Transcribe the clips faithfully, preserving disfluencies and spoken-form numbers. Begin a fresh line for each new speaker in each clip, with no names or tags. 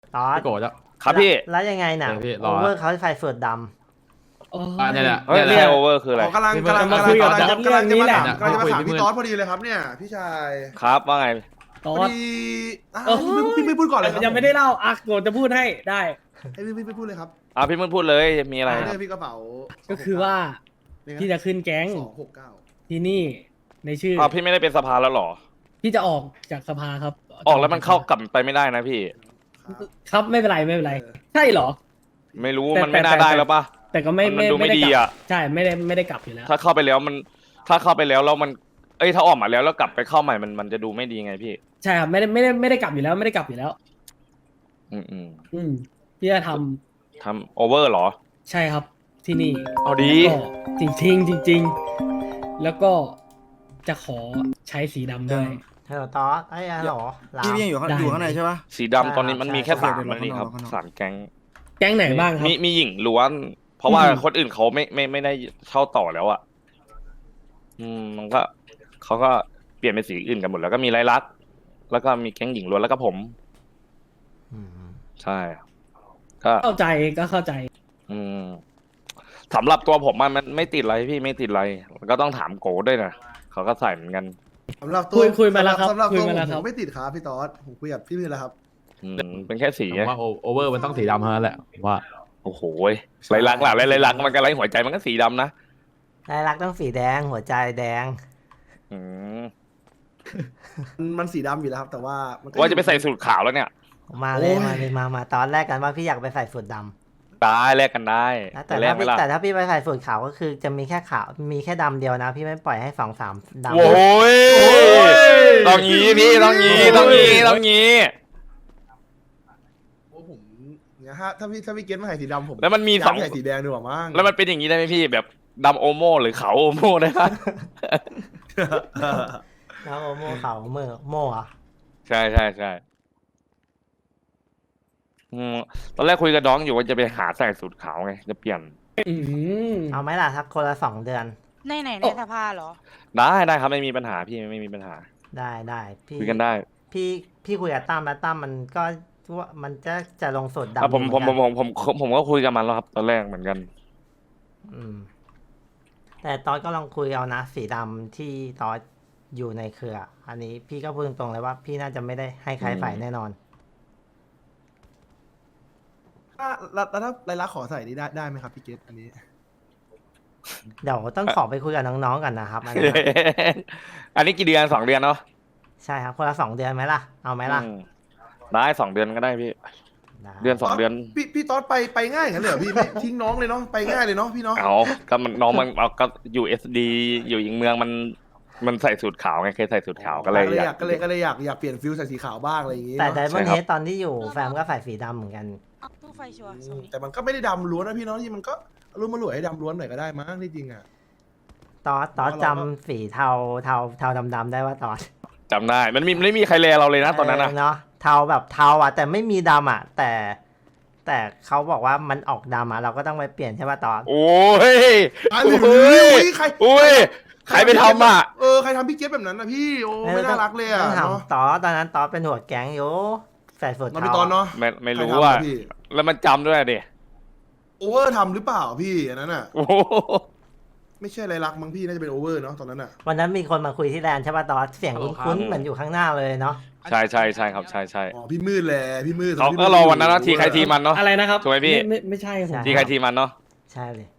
ตอส
พี่โกจะ
ครับพี่
แล้วยังไงน่ะ
เออพี่ร
โอ
อ
เวอร์เขาใส่เฟิร์ดด
อ่ะเนี่ยแหละ
เฮ้ย
เนี่ยแห
เรีย
ละ
กโอเวอร์คืออะไร
อ๋อกำลัง
พี่
กำลัง
มา
กำลัง
คุยกับ
กำลัง
จอร์จ
กำลังจะมาถาม
เนี่ย
กำลังจะมาถาม
คุยพี่
พี่
มืด
ต๊อดพอดีเลยครับเนี่ยพี่ชาย
ครับว่าไง
ตอ
พอ
ด
ดีอ่ะ
เออ
พี่พี่พี่พูดก่อนเลยครับ
ยังไม่ได้เล่าอ่ะโกรธจะพูดให้ได้
ให้พี่พี่พี่พูดเลยครับ
อ่ะพี่มึงพูดเลยมีอะไร
เรื่องพี่กระเป๋า
ก็คือว่าพี่จะขึ้นแก๊ง
สองหกเก้า
ที่นี่ในชื่อ
อ่ะพี่ไม่ได้เป็นสภาแล้วเหรอ
พี่จะออกจากสภาครับ
ออกแล้วมันเข้ากลับไปไม่ได้นะพี่
ครับไม่เป็นไรไม่เป็นไร ใช่เหรอ
ไม่รู้
แต่
มันไม่น่า
แต่
ได้แล้วปะ
แต่ก็ไม่
มันดูไม่
ได้
ดี
กลับ
อ่ะ
ใช่ไม่ได้ไม่ได้กลับอยู่แล้ว
ถ้าเข้าไปแล้วมัน ถ้าเข้าไปแล้วแล้วมัน เอ้ยถ้าออกมาแล้วแล้วกลับไปเข้าใหม่มันมันจะดูไม่ดีไงพี่
ใช่ครับไม่ได้ไม่ได้ไม่ได้กลับอยู่แล้วไม่ได้กลับอยู่แล้ว
อืมอืม
อืมพี่จะทำ
ทำโอเวอร์เหรอ
ใช่ครับที่นี่
เอาดี
ก็จริงจริงจริง ๆ แล้วก็จะขอใช้สีดำด้วย
ำฮัลโหลตอสไอ้ยฮัลโหลลาว
พี่พี่ยังอยู่ข้าง
ได้
อยู่ข้างในใช่ปะ
สีดำตอนนี้มันมีแค่
ใช่
สาม
เดี๋ยว
มันนี่ครับ
ข้างนอก
สามแก๊ง
แก๊งไหนบ้างครับ
มีมีหญิงล้วน เพราะว่า
อืม
คนอื่นเขาไม่ไม่ไม่ได้เข้าต่อแล้วอ่ะ อืมมันก็เขาก็เปลี่ยนเป็นสีอื่นกันหมดแล้วก็มีไรลักษณ์แล้วก็มีแก๊งหญิงล้วนแล้วก็ผม
อืม
ใช่ ก็
เข้าใจก็เข้าใจ
อืมสำหรับตัวผมมันมันไม่ติดอะไรพี่ไม่ติดอะไรก็ต้องถามโกด้วยนะเขาก็ใส่เหมือนกัน
สำหรับตัว
คุยคุยมาแล้วครับ
สำหรับ
คุย
ตัว
มาแล้ว
ผ
ครับ
มไม่ติดครับพี่ต๊อดผมคุยกับพี่มือแล้วครับ
อืมเป็นแค่สี
ผม
ไง
ว่าโอเวอร์มันต้องสีดำเท่านั้นแหละผมว่า
โอ้โหไรลักษณ์ล่ะไรไรลักษณ์มันก็ไรหัวใจมันก็สีดำนะ
ลายลักษณ์ต้องสีแดงหัวใจแดง
อืม
มันมันสีดำอยู่แล้วครับ แต่ว่ามันก็
ว่าจะไปใส่สูทขาวแล้วเนี่ย
มาเลยมาเลยมามาตอนแรกกันว่าพี่อยากไปใส่สูทดำ
ได้แลกกันได้
นะแต่
แล
ถ้าก
ไหม
พี่
ล่ะ
แต่ถ้าพี่ไปใส่สูทขาวก็คือจะมีแค่ขาวมีแค่ดำเดียวนะ พี่ไม่ปล่อยให้สองสามดำ
โว้ยต้องงี้พี่ต้องงี้ต้องงี้ต้องงี้
โอ้ผมเนี่ยฮะถ้าพี่ถ้าพี่เก็ตมาใส่สีดำผม
แล้วมันมี
อยาก
สอง
ใส่สีแดงดีกว่ามั้ง
แล้วมันเป็นอย่างนี้ได้ไหมพี่แบบดำโอโมหรือขาวโอโมได้ปะ
แล้วโอโม่ขาวเมื่อโม่อะ
ใช่ใช่ใช่อืมตอนแรกคุยกับน้องอยู่ว่าจะไปหาใส่สูทขาวไงจะเปลี่ยน
อืม
เอาไหมล่ะทักคนละสองเดือน
ในไหนในสภาเหรอ
ได้ได้ครับไม่มีปัญหาพี่ไม่มีปัญหา
ได้ได้พี่
คุยกันได้
พี่พี่คุยกับตั้มแล้วตั้มมันก็ว่ามันจะจะลงสูตรดำ
อ่ะผม
อยู่
ผม
เห
ผ
มื
ม
อน
ผมผมผมก็คุยกับมันแล้วครับ ตอนแรกเหมือนกัน
อืมแต่ตอนก็ลองคุยเอานะสีดำที่ตอนอยู่ในเครือ อันนี้พี่ก็พูดตรงๆเลยว่า พี่น่าจะไม่ได้ให้ใคร
อืม
ใส่แน่นอน
ถ้าแล้วแล้วถ้าไรลักษณ์ขอใส่นี่ได้ได้ไหมครับพี่เก็ตอันนี้
เดี๋ยวต้องขอไปคุยกับน้องๆกันนะครับอันนี้
อันนี้กี่เดือนสองเดือนเนาะ
ใช่ครับคนละสองเดือนไหมล่ะเอาไหมล่ะ
อืมได้สองเดือนก็ได้พี่
ได้
เดือนสองเดือน
พี่พี่ต๊อดไปไปง่ายอย่างนั้นเลยเหรอพี่ไม่ทิ้งน้องเลยเนาะไปง่ายเลยเนาะพี่เนาะ
เอาก็มันน้องมันเอาก็อยู่เอสดีอยู่อีกเมืองมันมันใส่สูทขาวไงเคยใส่สูทขาวก็เลย
ก็เลยอยาก
ก
ก็เลยก็เลยอยากอยากเปลี่ยนฟิลใส่สีขาวบ้างอะไรอย่างงี้
แต่
เนาะ
ไดมอนด์
ใช่
เฮ
ครับ
ดตอนที่อยู่แฟมก็ใส่สีดำเหมือนกัน
เอาตู้ไฟชัวร์
อื
ส่ง
ม
นี้
แต่มันก็ไม่ได้ดำล้วนนะพี่เนาะที่มันก็รู้มาหลวยให้ดำล้วนหน่อยก็ได้มั้งที่จริงอ่ะ
ตอสตอส
เพราะเราก็
จำสีเทาเทาเทาดำๆได้ว่าตอส
จำได้ มันมีไม่มีใครแลเราเลยนะตอนนั้นนะ
เเนาะเทาแบบเทาอ่ะ แต่ไม่มีดำอ่ะ แต่ แต่เขาบอกว่ามันออกดำอ่ะเราก็ต้องไปเปลี่ยนใช่ป่ะตอส
โอ้ย
อ่ะ
โอ้
หรื
ย
ออุ้ยใคร
โอ้ยใครไปทำอ่ะ
เออใครทำพี่เก็ตแบบนั้นนะพี่โอ้ไม่น่ารักเลยอ่ะ
ต้องถาม
เนาะ
ตอสตอนนั้นตอสเป็นหัวแก๊งอยู่ใส่สูท
น้อง
เทา
พี่ตอนเนาะ
ไม่ไม่รู้
ใคทำ
ว่า
อะพี่
แล้วมันจำด้วยดิ
โอเวอร์ทำหรือเปล่าพี่อันนั้นอ่ะ
โอ้โห
ไม่ใช่อะไรรักมั้งพี่น่าจะเป็นโอเวอร์เนาะตอนนั้นอ่ะ
วันนั้นมีคนมาคุยที่แลนด์ใช่ป่ะตอสเสียงคุ้นๆเหมือนอยู่ข้างหน้าเลยเนาะ
ใช่ใช่ใช่ครับใช่ใช่
อ๋อพี่มืดแหละพี่มืด
เขาก็รอวันนั้นนะทีใครทีมันเนาะ
อะไรนะครับ
ถูกไหมพี่
ไม่ไม่ใช่ผม
ทีใครทีมันเนาะ
ใช่เลย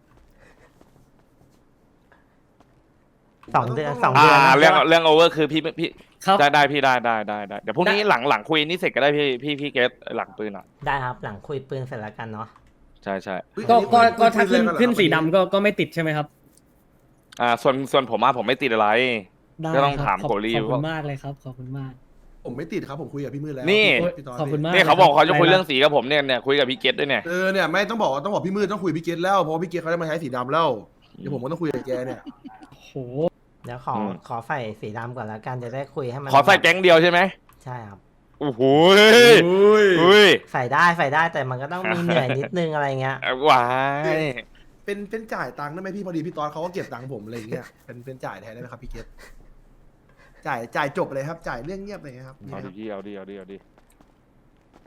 สองเดือนสอง
อ่า
เดือนนะ
เรื่องเรื่องโอเวอร์คือพี่พี่
ครับ
ได้ได้พี่ได้ได้ได้ได้เดี๋ยวพรุ่งนี้
ได้
หลังหลังคุยนี่เสร็จก็ได้พี่พี่พี่เกตหลังปืนอ่ะ
ได้ครับหลังคุยปืนเสร็จแล้วกันเนาะ
ใช่ใช่
เฮ้ย
ก็
อั
ก็ก็ถ้าขึ้น
ปืแรงกั
ขึ้น
เหรอ
สีดำก็ก็ไม่ติดใช่ไหมครับ
อ่าส่วนส่วนผมอะผมไม่ติดอะไร
ได้
ก็ต้อง
ครับ
ถาม
ขอบ
โกลี
ขอบคุ
ว่า
ณมากเลยครับขอบคุณมาก
ผมไม่ติดครับผมคุยกับพี่มืดแล้ว
นี่
พี่ตน
ขอบคุณมาก
เนี่ยเขาบอกเขาจะคุย
ได้
เรื่องสีกับผมเนี่ยเนี่ยคุยกับพี่เกตด้วยเนี่ย
เออเนี่ยไม่ต้องบอกว่าต้องบอกพี่มืดต้องคุยกับพี่เกตแล้วเพราะว่าพี่เกตเขาได้มาใช้สีดำแล้วเดี๋ยวผมก็ต้องคุยกับแกเนี่ย
โห
เดี๋ยวขอขอใส่สีดำก่อนแล้วกันจะได้คุยให้มัน
ขอใส่แก๊งเดียวใช่ไหม
ใช่ครับ
โอ้โห
อุ้ย
อุ้ย
ใส่ได้ใส่ได้แต่มันก็ต้องมีเหนื่อยนิดนึงอะไรเงี้ย
ว้าย
เป็นเป็นจ่ายตังค์ได้ไหมพี่พอดีพี่ตอนเขาก็เก็บตังค์ผมอะไรอย่างเงี้ยเป็นเป็นจ่ายแทนได้ไหมครับพี่เกตจ่ายจ่ายจบเลยครับจ่ายเรื่องเงียบเลยครับนี่
เอา
ค
ดิ
รับ
พี่เอาดิเอาดิเอาดิ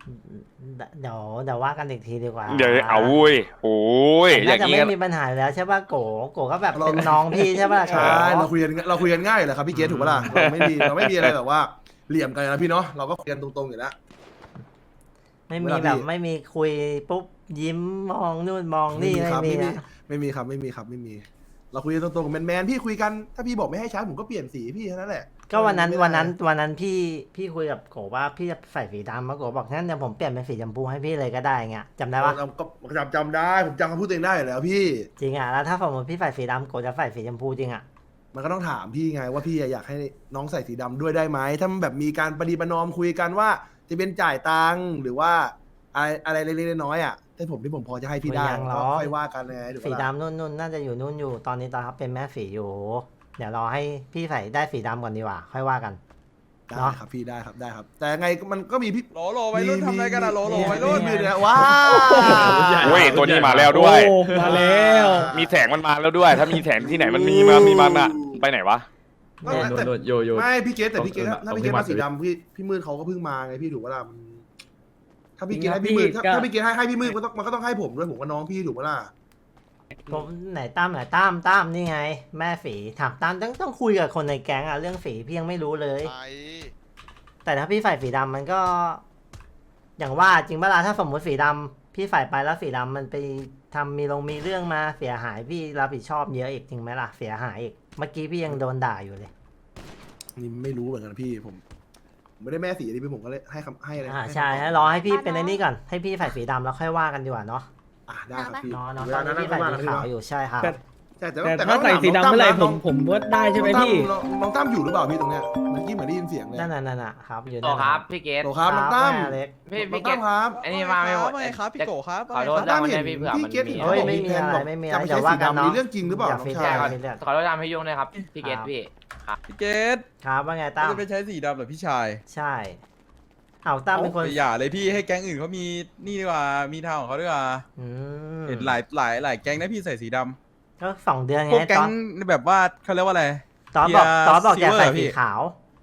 เดี๋ยวเดี๋ยวว่ากันอีกทีดีกว่า
เดี๋ยวเอาเว้ยโอ้ยอ
น่า
ย่าง
จะ
นี้
ไม่
กัน
มีปัญหาอยู่แล้วใช่ป่ะโกโกก็แบบเป็นน้องพี่ใช่ป่ะ
ใช่
โก
เราคุยกันเราคุยกันง่ายอยู่แล้วครับพี่เกตถูกปะล่ะเราไม่มีเราไม่มีอะไรแบบว่าเหลี่ยมกันนะพี่เนาะเราก็คุยกันตรงๆอยู่แล้ว
ไม่มี
เวลาพี่
แบบไม่มีคุยปุ๊บยิ้มมองนู่นมองนี่
ครับ
ไม่มี
ไม่มี
นะ
ไม่มีครับไม่มีครับไม่มี เราคุยกันตรงๆแมนๆพี่คุยกันถ้าพี่บอกไม่ให้ใช้ผมก็เปลี่ยนสีพี่แค่นั้นแหละ
ก็วันนั้น
ไม่ได้
วันนั้นวันนั้นพี่พี่คุยกับโกว่าพี่จะใส่สีดำมาโกบอกงั้นเดี๋ยวผมเปลี่ยนเป็นสีชมพูให้พี่เลยก็ได้เงี้ยจำได้ปะ
เราก็จำจำได้ผมจำคำพูดตัวเองได้อยู่แล้วพี่
จริงอ่ะแล้วถ้าสมมติพี่ใส่สีดำโกจะใส่สีชมพูจริงอ่ะ
มันก็ต้องถามพี่ไงว่าพี่อยากให้น้องใส่สีดำด้วยได้ไหมถ้ามันแบบมีการประดีประนอมคุยกันว่าจะเป็นจ่ายตังค์หรือว่าอะไรอะไรเล็กๆน้อยๆอ่ะแต่ผมที่ผมพอจะให้พี่ได้
ไม่ยังหร
ก็
อก
ค่อยว่ากันไงถูก
สี
ปะล่ะ
ดำนู่นนู่นน่าจะอยู่นู่นอยู่ตอนนี้ตอนเขาเป็นแม่สีอยู่ เดี๋ยวรอให้พี่ใส่ได้สีดำก่อนดีกว่า ค่อยว่ากัน
ได้
เนาะ
ครับพี่ได้ครับได้ครับ แต่ไงมันก็มีพี่
โหลโหลวัยรุ่นทำอะไรกันอะโหลโหล
มี
วัยรุ่น
มีเนี่ยว้าว
เว้ยตัวนี้มาแล้วด้วย
โอ้มาแล้ว
มีแสงมันมาแล้วด้วย ถ้ามีแสงที่ไหนมันมีมามีมันอะไปไหนวะ
ไม่
โดน
แต่
โดนโยโย่
ไม่พี่เกตแต่พี่เกต
ตรง
ถ้าพี่เกต
ตรงที่
มาสี
มา
ดำพี่พี่มืดเขาก็เพิ่งมาไงพี่ถูกปะล่ะมันถ้าพี่เกต
จริงครับ
ให้พี่มืดถ้า
พี่ก็
ถ้าพี่เกตให้ให้พี่มืดมันต้องมันก็ต้องให้ผมด้วยผมก็น้องพี่ถูกปะล่ะ
ผมไหนตั้มไหนตั้มตั้มนี่ไง แม่ฝีถามตั้มต้องต้องคุยกับคนในแก๊งอะเรื่องฝีพี่ยังไม่รู้เลย แต่ถ้าพี่ใส่สีดำมันก็ อย่างว่าจริงเวลาถ้าสมมติสีดำพี่ใส่ไปแล้วสีดำมันไปทำมีลงมีเรื่องมาเสียหายพี่รับผิดชอบเยอะอีกจริงไหมล่ะเสียหายอีกเมื่อกี้พี่ยังโดนด่าอยู่เลย
นี่ไม่รู้เหมือนกันพี่ผมผมไม่ได้แม่สีอันนี้พี่ผมก็เลยให้คำให้อะไร
อ่า
ห้
ใช่
คำตอบ
ให้รอให้พี่เป็นไอ้นี่ก่อนให้พี่ใส่สีดำแล้วค่อยว่ากันดีกว่าเนาะ
อ่ะได้ครับพี่
เนาะเนาะ
เว
ตอ
ลาน นั้
นี้
น
พี่
ค่
ใส่
อยว่า
สี
กันดีก
ขาว
ว่า
อยู่ใช่ครับ
แต่
ใช่แต่
แต่
แต่
ถ้าใส่สีดำเมื่อไหร่ผมผมว่าได้ใช่ไหมพี่
น้องน้องตั้มอยู่หรือเปล่าพี่ตรงเนี้ยเมื่อกี้เหมือนได้ยินเสียงเลย
นั่นน่ะนั่นน่ะครับอยู่
โต
นั่น
ค
น่ะ
รับพี่เกต
โตครับน้องตั้ม
แม่เล็ก
พี่
น้อ
พี่
ง
เก
ตั้
ต
มครับ
อันนี้มาไม่หมด
ว่าไงครับพี่โกครับ
ขอโทษ
น้องตั้ม
ได้
เห็น
พี่เผื่อ
พี่
มัน
เกต
มี
เห็น
เฮ้ย
เขา
ไม่มี
แพลน
อะไร
บอก
ไม่มี
จะ
อะไร
ไป
เดี๋
ใช้
ยวว่า
สี
กัน
ดำ
เนาะ
มีเรื่องจริงหรือเปล่า
อย่า
น้อง
ฟิต
ชาย
อย่าฟิตเลย
ขอโทษทำให้ยุ่งด้วยครับพี่เกตพี่
พี่เกต
ครับว่าไงตั้ม
จะไปใช้สีดำเหรอพี่ชาย
ใช่เอาตั้มเป็นคน
โอ้ยอย่าเลยพี่ให้แก๊งอื่นเขามีนี่ดีกว่ามีทางของเขาดีกว่า
อืม
เห็นหลายหลายหลายแก๊งนะพี่ใส่สีดำ
ก็สองเดือนไง
พวกแก๊
ตอง น
แบบว่าเขาเรียกว่าอะไร
ตอนบอก
เทียร์
ตอนบอกอยากใส่
silver
สี
พี่
ขาว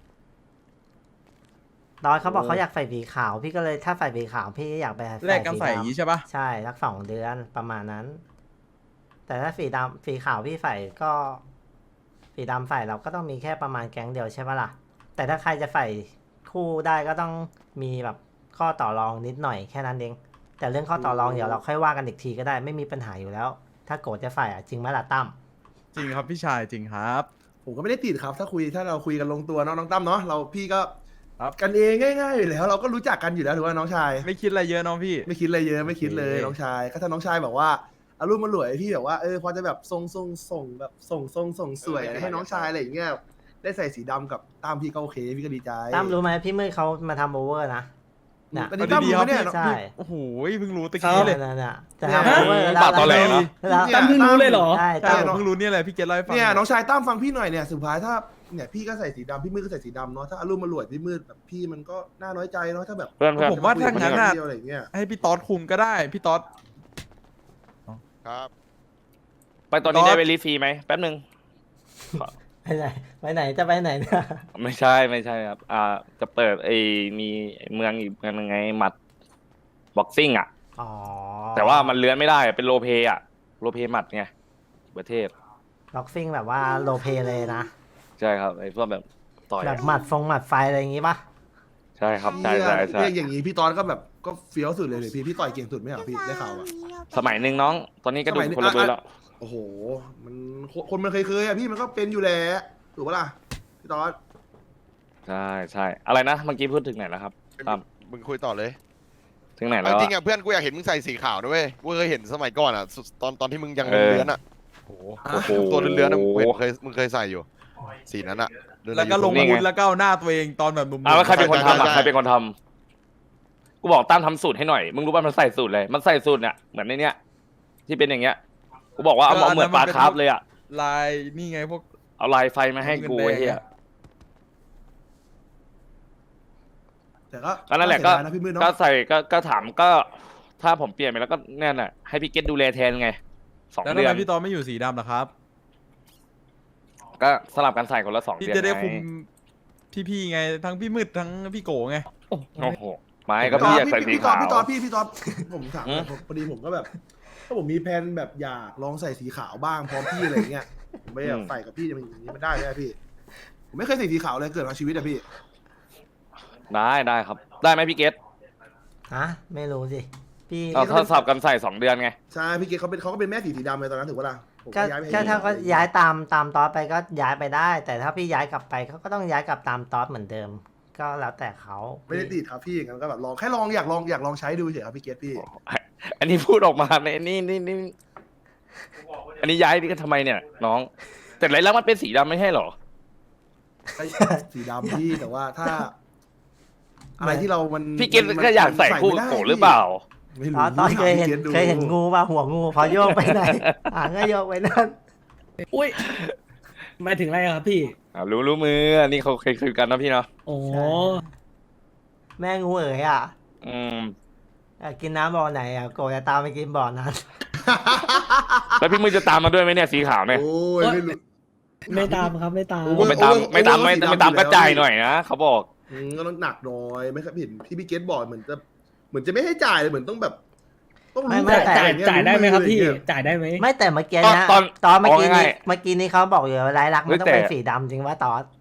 ตอนเขาบอก
โอ้
เขาอยากใส่สีขาว พี่ก็เลยถ้าใส่สีขาวพี่อยากไป
แลกกันใส่อย่างนี้ใช่ปะ
ใช่สักสองเดือนประมาณนั้น แต่ถ้าสีดำสีขาวพี่ใส่ก็ สีดำใส่เราก็ต้องมีแค่ประมาณแก๊งเดียวใช่ปะล่ะแต่ถ้าใครจะใส่คู่ได้ก็ต้องมีแบบข้อต่อรองนิดหน่อยแค่นั้นเองแต่เรื่องข้อต่อรองเดี๋ยวเราค่อยว่ากันอีกทีก็ได้ไม่มีปัญหาอยู่แล้ว ถ้าโกรธจะใส่อะจริงไหมล่ะตั้ม
จริงครับพี่ชายจริงครับ
ผมก็ไม่ได้ติดครับ ถ้าคุยถ้าเราคุยกันลงตัวเนาะน้องตั้มเนาะเราพี่ก็
ครับ
กันเองง่ายๆอยู่แล้วเราก็รู้จักกันอยู่แล้วถือว่าน้องชาย
ไม่คิดอะไรเยอะน้องพี่
ไม่คิดอะไรเยอะไม่คิดเลย
โอเค
น้องชายก็ถ้าน้องชายแบบว่าอารมณ์มาหลวยพี่แบบว่าเออพอจะแบบทรงทรงส่งแบบส่งทรงส่งสวยให้น้องชายอะไรอย่างเงี้ยได้ใส่สีดำกับตามพี่ก็โอเคพี่ก็ดีใจ
ตั้มรู้ไหมพี่มืดเขามาทำโอเวอร์นะน่ะ
อันนี้ตั้มรู้ไหมเนี่ย
ใช่
โอ้โหเพิ่งรู้ตะกี้เลย
นั่นน่ะจะ
เนี่ย
ทำโอเวอร์แล้ว
ปาดตอแหลเนอะ
แล้ว
เนี่ย
ตั้มเพิ่งรู้เลยเหรอ
ใช่
ใช่
ตั้ม
ผมเพิ่งรู้เนี่ยแหละพี่เกตเล่าให้ฟัง
เนี่ยน้องชายตั้มฟังพี่หน่อยเนี่ยสุดท้ายถ้าเนี่ยพี่ก็ใส่สีดำพี่มืดก็ใส่สีดำเนาะถ้าอารมณ์มาหลวยพี่มืดแบบพี่มันก็น่าน้อยใจเนาะถ้าแบบ
เพื่อนเพื่อน
ผมว่าถ้างั้นน่ะ
เดียวอะไรอย่างเงี้ย
ให้พี่ต๊อดคุมก็ได้พี่ต๊อด
ครับ
ไปตอนนี้ได้เวลีฟรีไหมแป๊บนึง
ไปไหนไปไหนจะไปไหนเนี่ย
ไม่ใช่ไม่ใช่ครับ อ่า จะเปิดไอ้มีเมืองอีกเมืองนึงไงหมัดบ็อกซิ่งอ่ะ
อ๋อ
แต่ว่ามันเลื้อนไม่ได้อะเป็นโลเพอ่ะโลเพหมัดไงประเทศ
ล็อกซิ่งแบบว่าโลเพเลยนะ
ใช่ครับไอ้พวกแบบต่อย
แบบหมัดฟงหมัดไฟอะไรอย่างงี้ปะ
ใช่ครับใช่ใช่ใช่
เรียกอย่างนี้พี่ตอนก็แบบก็เฟี้ยวสุดเลยเลยพี่พี่ต่อยเก่งสุดไหมเหรอพี่ได้ข่าวอ่ะ
สมัยหนึ่งน้อง ตอนนี้ก็ดู
สมัยหนึ่ง
คนละเบอร์แล้ว
โอ้โห มันคนมันเคยเคยๆอะพี่มันก็เป็นอยู่แล้วถูกปะล่ะพี่ตอน
ใช่ใช่อะไรนะเมื่อกี้พูดถึงไหนแล้วครับตาม
มึงคุยต่อเลย
ถึงไหนแล้
เอา
ว
จริง
อะ
อ่ะเพื่อนกูอยากเห็นมึงใส่สีขาวด้วยกูเคยเห็นสมัยก่อนอ่ะสุดตอนตอนที่มึงยัง
เออ
เลื้อนอ่ะ
โอ้โห
โอ้โห
ตัวเลื้อนๆอ่ะมึงเห็นเคยมึงเคยใส่อยู่ สีนั้นอ่ะเดินใน
แล้วก็ลง
YouTube
อาวุธแล้วก็เอาหน้าตัวเองตอนแบบหนุ่มๆ
อ่ะแล้วใครเป็นคนทำอ่ะ
ใช่ใช่
ใครเป็นคนทำกูบอกตั้มทำสูตรให้หน่อยมึงรู้ป่ะมันใส่สูตรเลยมันใส่สูตรเนี่ยเหมือนในเนี้ยที่เป็นอย่างเงี้ยกูบอกว่าเอาเอาเหมือนปลาคาร์ฟเลยอ่ะ
ลายนี่ไงพวก
เอาลายไฟมาให้กูไอ้เหี้ย
แต่ก็
ก็นั่นแหละก็
เสียดายนะพี่มืดเนาะ
ก็ใส่ก็ก็ถามก็ ถ้าผมเปลี่ยนไปแล้วก็แน่น่ะให้พี่เกตดูแลแทนไงสอง
แล้วทำ
เดือ
ไม
น
พี่ต๊อดไม่อยู่สีดำล่ะครับ
ก็สลับกันใส่คนละสอง
พี่
เดือน
จะได้
ไง
คุมพี่ๆไงทั้งพี่มืดทั้งพี่โกไง
โอ้
โอ้โหไม่ก็พี่อยากใส่สี
พี่ตอ
ขาว
พี่ตอพี่พี่ตอผมถาม
หืม
ผมพอดีผมก็แบบถ้าผมมีแผนแบบอยากลองใส่สีขาวบ้างพร้อมพี่อะไรเงี้ยผมไม่อยากใส่กับพี่จะเป็นอย่างนี้มันได้ไหมพี่ ผมไม่เคยใส่สีขาวเลยเกิดมาชีวิตอะพี่
ได้ได้ครับ ได้ไหมพี่เกต
ฮะไม่รู้สิพี่
เอาถ้าสับกันใส่สองเดือนไง
ใช่พี่เกศเขาเป็นเขาก็เป็นแม่สีสีดำเลยตอนนั้นถือว่าล่ะผม
ก็
ย้ายไปให้
ก็ถ้าก็
พี่
ย้ายตามตามตอสไปก็ย้ายไปได้ แต่ถ้าพี่ย้ายกลับไปเขาก็ต้องย้ายกลับตามตอสเหมือนเดิม ก็แล้วแต่เขา
ไม่ได้ติดครับพี่อย่างนั้นก็แบบลองแค่ลองอยากลองอยากลองใช้ดูเฉยครับพี่เกศพี่
อันนี้พูดออกมาในนี่นี่นี่อันนี้ย้ายนี่ก็ทำไมเนี่ย น้อง แต่ไรแล้วมันเป็นสีดำไม่ใช่เหรอ
ไอ้สีดำพี่แต่ว่าถ้า อะไรที่เรามัน
พี่เกต
มัน
ก็อยากใส่คู่
ไม่
กับ
ได้
โกหรือเปล่า
ไม่
ต
รู้
อนตอนเคยเห็น
ถามพี่กศดู
เคยเห็นงูป่ะหัวงูพอโยกไปไหน หางก็โยกไปนั่น
อุ้ยหมายถึงอะไรอะครับพี่
อ่ารู้รู้มืออันนี้เขาเคยคุยกันนะพี่เนาะ
โอ้
แม่งูเอ๋ยอ่ะ
อืม
อยากกินน้ำบ่อไหนอ่ะโกจะตามไปกินบ่อนั้น
แล้วพี่มือจะตามมาด้วยไหมเนี่ยสีขาวเนี่ย
โอ้ยไม่รู้
ไม่ตามครับไม่ตาม
โอ้
ผมไม่ตาม
โอเวอร์
ไม่ตาม
โอเวอ
ไม่
ร์สีดำ
ไม่ตาม
อยู่
ก
แล้ว
ระจายหน่อยนะเขาบอก
อืมก็ต้องหนักหน่อยไม่ครับเห็นพี่พี่เกตบอกเหมือนจะเหมือนจะไม่ให้จ่ายเลยเหมือนต้องแบบ ต้อง
ไม่
รู้
ไม่
แต่
จ่าย
องเงี้
จ่ายได้ไหมครับพี่
อะ
จ่ายได้ไหม
ไม่แต่เมื่อกี้
ตอน
นะ
ตอน
ตอนเมื่อกี้
เอาง่า
นี้
ย
เมื่อกี้นี้เขาบอกอยู่ว่าลายลักษณ์มันต้อง
แต่
เป็นสีดำจริงว่าตอน